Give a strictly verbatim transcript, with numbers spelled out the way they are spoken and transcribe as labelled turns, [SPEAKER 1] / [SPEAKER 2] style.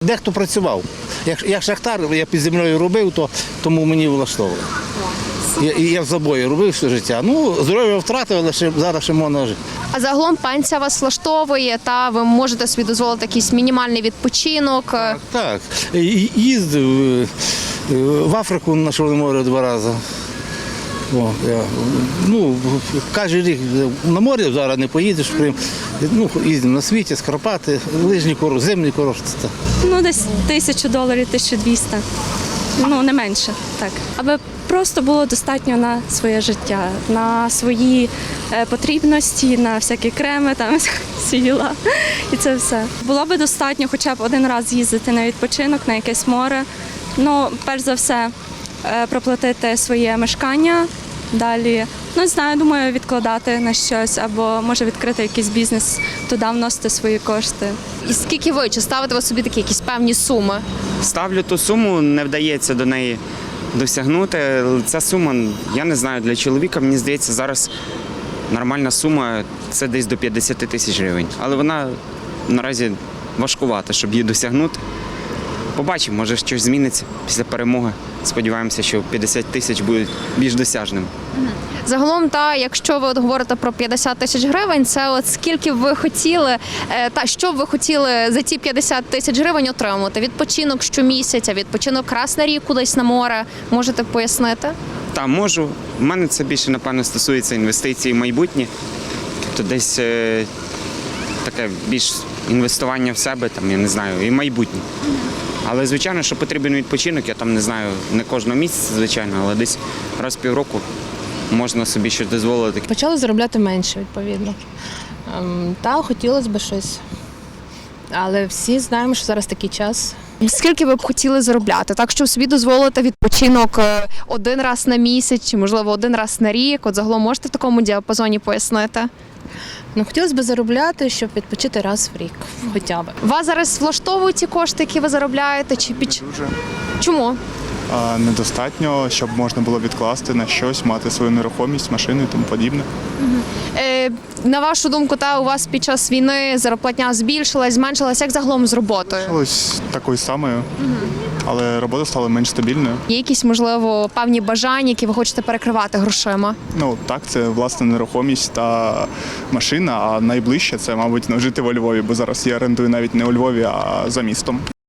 [SPEAKER 1] Дехто працював. Як, як шахтар, я під землею робив, то тому мені влаштовувало. Я, я в забої робив все життя. Ну, здоров'я втратив, але ще, зараз ще можна жити.
[SPEAKER 2] А загалом пенсія вас влаштовує, та ви можете собі дозволити якийсь мінімальний відпочинок.
[SPEAKER 1] Так, їздив в Африку на Чорне море два рази. О, я, ну, кожен рік на море зараз не поїдеш в Крим. Ну, їздимо на світі, Скарпати, лижні курорти, зимні курорти.
[SPEAKER 3] Ну, десь тисячу доларів, тисячу двісті. Ну, не менше, так. Аби просто було достатньо на своє життя, на свої е, потрібності, на всякі креми, там, сіла і це все. Було би достатньо хоча б один раз їздити на відпочинок, на якесь море. Ну, перш за все, е, проплатити своє мешкання, далі, ну, не знаю, думаю, відкладати на щось, або може відкрити якийсь бізнес, туди вносити свої кошти.
[SPEAKER 2] І скільки ви, чи ставите ви собі такі якісь певні суми?
[SPEAKER 4] Ставлю ту суму, не вдається до неї досягнути. Ця сума, я не знаю, для чоловіка, мені здається, зараз нормальна сума – це десь до п'ятдесят тисяч гривень. Але вона наразі важкувата, щоб її досягнути. Побачимо, може щось зміниться після перемоги. Сподіваємося, що п'ятдесят тисяч будуть більш досяжними.
[SPEAKER 2] Загалом, та якщо ви от говорите про п'ятдесят тисяч гривень, це от скільки б ви хотіли, е, та що б ви хотіли за ці п'ятдесят тисяч гривень отримати? Відпочинок щомісяця, відпочинок раз на рік кудись на море. Можете пояснити?
[SPEAKER 4] Та можу. У мене це більше, напевно, стосується інвестицій в майбутнє. Тобто десь е, таке більш інвестування в себе, там, я не знаю, і майбутнє. Але, звичайно, що потрібен відпочинок, я там не знаю, не кожного місяця, звичайно, але десь раз в півроку можна собі щось дозволити.
[SPEAKER 5] Почали заробляти менше, відповідно. Ем, Та хотілося б щось. Але всі знаємо, що зараз такий час.
[SPEAKER 2] Скільки ви б хотіли заробляти? Так, щоб собі дозволити відпочинок е, один раз на місяць, чи, можливо, один раз на рік? От загалом можете в такому діапазоні пояснити?
[SPEAKER 5] Ну, хотілося б заробляти, щоб відпочити раз в рік, хоча б.
[SPEAKER 2] Вас зараз влаштовують ті кошти, які ви заробляєте? Чи під...
[SPEAKER 6] Дуже
[SPEAKER 2] Чому?
[SPEAKER 6] а, недостатньо, щоб можна було відкласти на щось, мати свою нерухомість, машину і тому подібне.
[SPEAKER 2] Е, на вашу думку, та у вас під час війни зарплатня збільшилась, зменшилась, як загалом з роботою?
[SPEAKER 6] Ось такою самою, але робота стала менш стабільною.
[SPEAKER 2] Є якісь, можливо, певні бажання, які ви хочете перекривати грошима?
[SPEAKER 6] Ну так, це власна нерухомість та машина, а найближче це, мабуть, ну, жити во Львові, бо зараз я орендую навіть не у Львові, а за містом.